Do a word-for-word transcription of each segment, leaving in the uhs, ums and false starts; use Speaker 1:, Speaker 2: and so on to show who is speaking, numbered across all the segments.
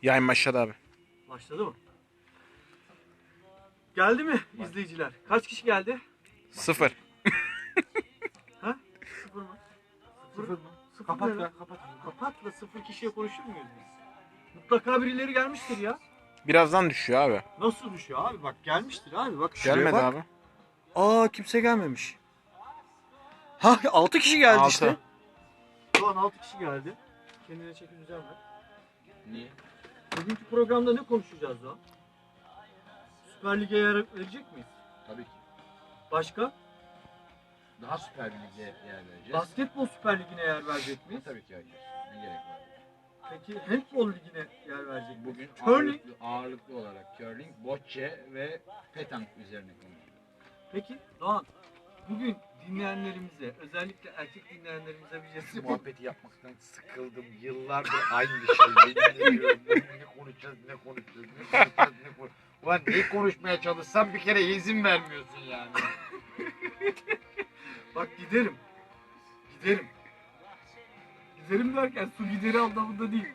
Speaker 1: Yayın başladı abi.
Speaker 2: Başladı mı? Geldi mi izleyiciler? Kaç kişi geldi?
Speaker 1: Sıfır.
Speaker 2: Ha? Sıfır mı? Sıfır,
Speaker 3: Sıfır mı?
Speaker 2: Sıfır
Speaker 3: Kapat
Speaker 2: ne lan?
Speaker 3: ya, kapat.
Speaker 2: Kapatla sıfır kişiye konuşur muyuz biz? Mutlaka birileri gelmiştir ya.
Speaker 1: Birazdan düşüyor abi.
Speaker 2: Nasıl düşüyor abi? Bak gelmiştir abi. Bak şuraya
Speaker 1: Gelmedi
Speaker 2: bak.
Speaker 1: abi.
Speaker 2: Aa kimse gelmemiş. Ha altı kişi geldi
Speaker 1: Altı.
Speaker 2: işte. Şu an altı kişi geldi. Kendine çeki düzen ver.
Speaker 3: Niye?
Speaker 2: Bugünkü programda ne konuşacağız o? Süper Lig'e yer verecek miyiz?
Speaker 3: Tabii ki.
Speaker 2: Başka?
Speaker 3: Daha süper bir lige yer vereceğiz.
Speaker 2: Basketbol Süper Ligi'ne yer verecek miyiz?
Speaker 3: Tabii ki hayır. Ne gerek var?
Speaker 2: Peki handball ligine yer verecek miyiz?
Speaker 3: Bugün
Speaker 2: Curling.
Speaker 3: ağırlıklı, ağırlıklı olarak curling, bocce ve petank üzerine konuşuyoruz.
Speaker 2: Peki Doğan, bugün dinleyenlerimize, özellikle erkek dinleyenlerimize bir şey
Speaker 3: Bu muhabbeti yapmaktan sıkıldım. Yıllardır aynı şey. Yemin ediyorum. Ne konuşacağız, ne konuşacağız, ne konuşacağız, ne konuşacağız. Ulan neyi konuşmaya çalışsam bir kere izin vermiyorsun yani.
Speaker 2: Bak giderim. Giderim. Giderim derken su gideri anlamında değil.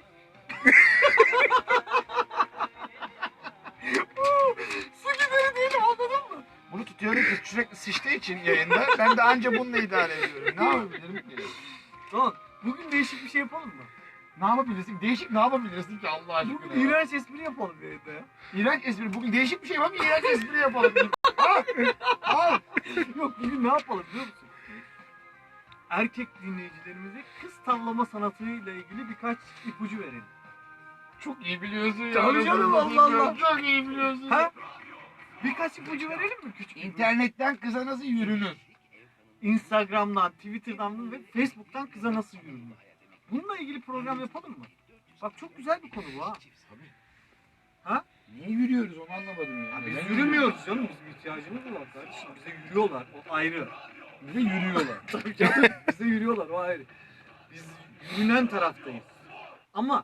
Speaker 2: Su gideri değil, anladın mı?
Speaker 3: Bunu tutuyorum ki sürekli sıçtığı için yayında. Ben de anca bununla idare ediyorum. Ne yapabilirim ki?
Speaker 2: Doğan, bugün değişik bir şey yapalım mı?
Speaker 3: Ne yapabilirsin? Değişik ne yapabilirsin ki Allah aşkına?
Speaker 2: Bugün iğrenç espri yapalım yayında ya.
Speaker 3: İğrenç espri. Bugün değişik bir şey var mı? İğrenç espri yapalım. Al. Al.
Speaker 2: Yok, bugün ne yapalım biliyor musun? Erkek dinleyicilerimize kız tavlama sanatıyla ilgili birkaç ipucu verelim.
Speaker 3: Çok iyi biliyorsun ya.
Speaker 2: Tabii canım,
Speaker 3: Nasıl
Speaker 2: Allah
Speaker 3: bilmiyorum.
Speaker 2: Allah.
Speaker 3: Çok iyi biliyorsun.
Speaker 2: Ha? Birkaç ipucu verelim mi küçük?
Speaker 3: İnternetten kıza nasıl yürünür?
Speaker 2: Instagram'dan, Twitter'dan ve Facebook'tan kıza nasıl yürünür? Bununla ilgili program yapalım mı? Bak çok güzel bir konu bu ha.
Speaker 3: Tabii.
Speaker 2: Ha?
Speaker 3: Niye yürüyoruz onu anlamadım ya.
Speaker 2: Ya biz
Speaker 3: Neden
Speaker 2: yürümüyoruz canım, bizim ihtiyacımız var kardeşim. Bize yürüyorlar, o ayrı.
Speaker 3: yürüyoruz? Bize yürüyorlar.
Speaker 2: Tabii canım, bize yürüyorlar, o ayrı. Biz yürünen taraftayız. Ama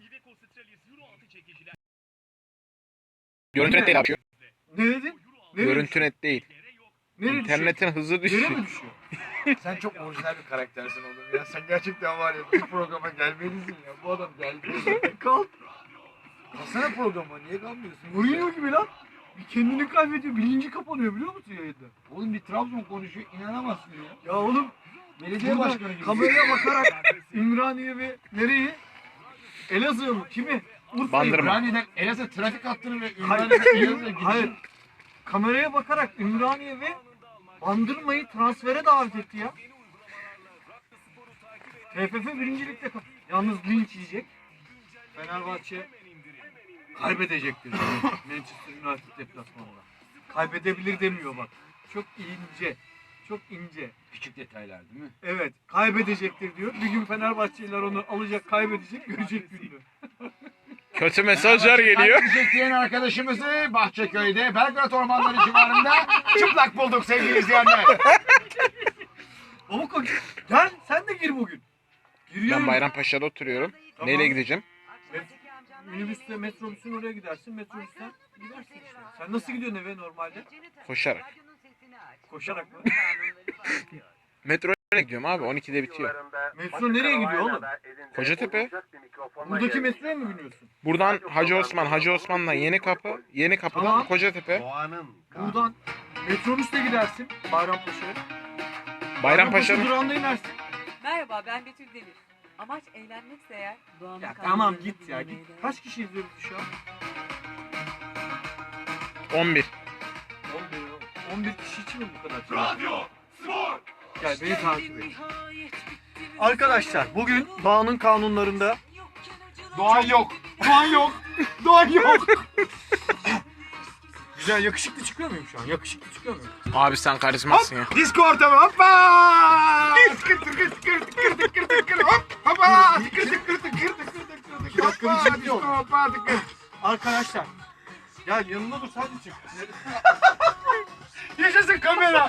Speaker 1: Görüntü net değil abi.
Speaker 2: ne dedin? Nereye
Speaker 1: Görüntü
Speaker 2: düşüyor?
Speaker 1: net değil.
Speaker 2: Nereye
Speaker 1: İnternetin hızı
Speaker 2: düşüyor? Nereye
Speaker 1: düşüyor.
Speaker 2: mi düşüyor?
Speaker 3: Sen çok orijinal bir karaktersin oğlum ya. Sen gerçekten var ya bu programa gelmelisin ya. Bu adam gelmeli.
Speaker 2: Kalk.
Speaker 3: Kalsana programa niye kalmıyorsun?
Speaker 2: Mourinho gibi lan. Bir kendini kaybediyor, bilinci kapanıyor biliyor musun yayında?
Speaker 3: Oğlum bir Trabzon konuşuyor inanamazsın ya.
Speaker 2: Ya oğlum,
Speaker 3: Belediye
Speaker 2: burada
Speaker 3: başkanı gibi.
Speaker 2: kameraya bakarak Ümraniye ve nereyi? Elazığ mı? Kimi? Urfa'yı.
Speaker 1: Bandırma.
Speaker 3: Ümraniye'den Elazığ trafik hattını ve
Speaker 2: Hayır,
Speaker 3: Ümraniye'den Elazığ'a
Speaker 2: Üm- hayır.
Speaker 3: gidişin.
Speaker 2: Kameraya bakarak Ümraniye ve Bandırma'yı transfere davet etti ya. T F F birincilikte kal. Yalnız linç yiyecek. Fenerbahçe kaybedecektir. Manchester United deplasmanında. Kaybedebilir demiyor bak. Çok ince. Çok ince.
Speaker 3: Küçük detaylar değil mi?
Speaker 2: Evet, kaybedecektir diyor. Bir gün Fenerbahçeliler onu alacak, kaybedecek, görecek gününü.
Speaker 1: Kötü mesajlar geliyor.
Speaker 3: Kaybedecek diyen arkadaşımızı Bahçeköy'de Belgrad Ormanları civarında çıplak bulduk sevgili izleyenler.
Speaker 2: Baba koç, gel sen de gir bugün. Giriyorum.
Speaker 1: Ben Bayrampaşa'da oturuyorum.
Speaker 2: Tamam.
Speaker 1: Neyle gideceğim?
Speaker 2: Minibüsle, metrobüsün oraya gidersin, metrobüsten gidersin işte. Sen nasıl gidiyorsun eve normalde?
Speaker 1: Koşarak.
Speaker 2: Koşarak mı?
Speaker 1: Metroya gidiyorum abi. on ikide bitiyor.
Speaker 2: Metro nereye gidiyor oğlum?
Speaker 1: Kocatepe.
Speaker 2: Buradaki metroya mı biniyorsun?
Speaker 1: Buradan Hacı Osman, Hacı Osman'dan Yeni Kapı, Yeni Kapı'dan
Speaker 2: Tamam.
Speaker 1: Kocatepe.
Speaker 4: Doğanın.
Speaker 2: Buradan metrobüsle gidersin Bayrampaşa'ya.
Speaker 1: Bayrampaşa'nın
Speaker 2: durağında inersin.
Speaker 5: Merhaba, ben Betül Demir. Amaç eğlenmekse eğer doğanın
Speaker 2: Ya
Speaker 5: kanunlarını
Speaker 2: tamam git ya
Speaker 5: dinlemeye
Speaker 2: git.
Speaker 5: değer.
Speaker 2: Kaç kişi izliyor bizi şu an?
Speaker 1: on bir.
Speaker 2: on bir, on bir kişi için mi bu kadar? Radyo, spor. Gel beni takip et. Arkadaşlar bugün doğanın kanunlarında
Speaker 3: Doğan yok. Doğan yok. Doğan yok.
Speaker 2: güzel yakışıklı çıkıyor muyum şu an? Yakışıklı çıkıyor muyum?
Speaker 1: Abi sen karizmasın ya.
Speaker 3: Disco ortamı hoppa. Tıkır tıkır tıkır tıkır tıkır tıkır hop hoppa. Tıkır tıkır tıkır tıkır tıkır
Speaker 2: İki dakika bir
Speaker 3: hoppa.
Speaker 2: ciddi ol.
Speaker 3: Disco hoppa tıkır.
Speaker 2: Arkadaşlar gel yanımda dur sen de çık.
Speaker 3: Yaşasın kamera.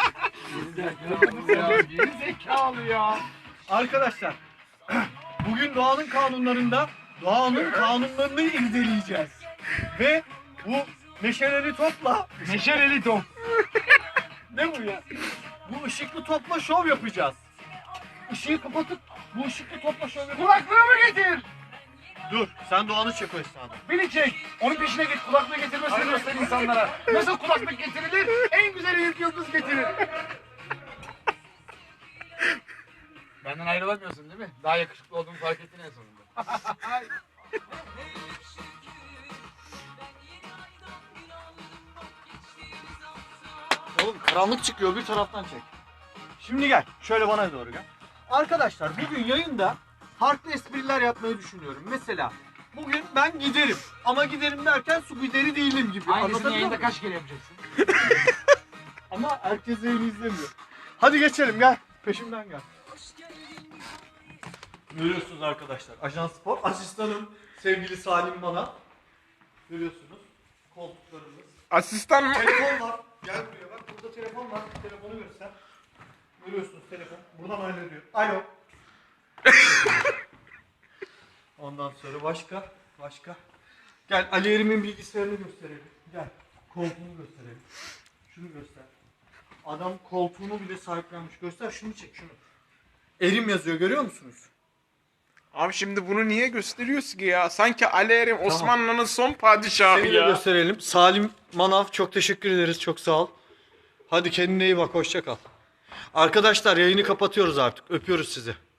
Speaker 3: Ya geri zekalı ya.
Speaker 2: Arkadaşlar bugün doğanın kanunlarında doğanın kanunlarını irdeleyeceğiz. Ve bu neşeli topla
Speaker 3: Neşeli top.
Speaker 2: ne bu ya? Bu ışıklı topla şov yapacağız. Işığı kapatıp bu ışıklı topla şov yapacağız.
Speaker 3: Kulaklığımı getir.
Speaker 2: Dur, sen Doğan'ı çek o esnada. Beni çek. Onun peşine git, kulaklığı getirmesini göster insanlara. Nasıl kulaklık getirilir? En güzel Eyüp Yıldız getirir.
Speaker 3: Benden ayrılamıyorsun değil mi? Daha yakışıklı olduğumu fark ettin en sonunda.
Speaker 2: Oğlum karanlık çıkıyor, bir taraftan çek. Şimdi gel, şöyle bana doğru gel. Arkadaşlar bugün yayında farklı espriler yapmayı düşünüyorum. Mesela bugün ben giderim. Ama giderim derken su gideri değilim gibi.
Speaker 3: Aynısını
Speaker 2: Anlatabiliyor
Speaker 3: yayında
Speaker 2: muyum?
Speaker 3: kaç kere yapacaksın?
Speaker 2: Ama herkes yayını izlemiyor. Hadi geçelim gel. Peşimden gel. Görüyorsunuz arkadaşlar. Ajan Spor. Asistanım sevgili Salim bana. Görüyorsunuz. Koltuklarımız.
Speaker 1: Asistan mı?
Speaker 2: Telefon var. Gel buraya bak. Burada telefon var. Telefonu göster. Görüyorsunuz telefon. Buradan hallediyor. Alo. Ondan sonra başka. Başka. Gel Ali Erim'in bilgisayarını gösterelim. Gel. Koltuğunu gösterelim. Şunu göster. Adam koltuğunu bile sahiplenmiş. Göster şunu çek şunu. Erim yazıyor görüyor musunuz?
Speaker 1: Abi şimdi bunu niye gösteriyorsun ki ya? Sanki Ali Erim Osmanlı'nın son padişahı
Speaker 2: Seni de
Speaker 1: ya.
Speaker 2: gösterelim. Salim Manav çok teşekkür ederiz. Çok sağ ol. Hadi kendine iyi bak. Hoşça kal. Arkadaşlar yayını kapatıyoruz artık. Öpüyoruz sizi.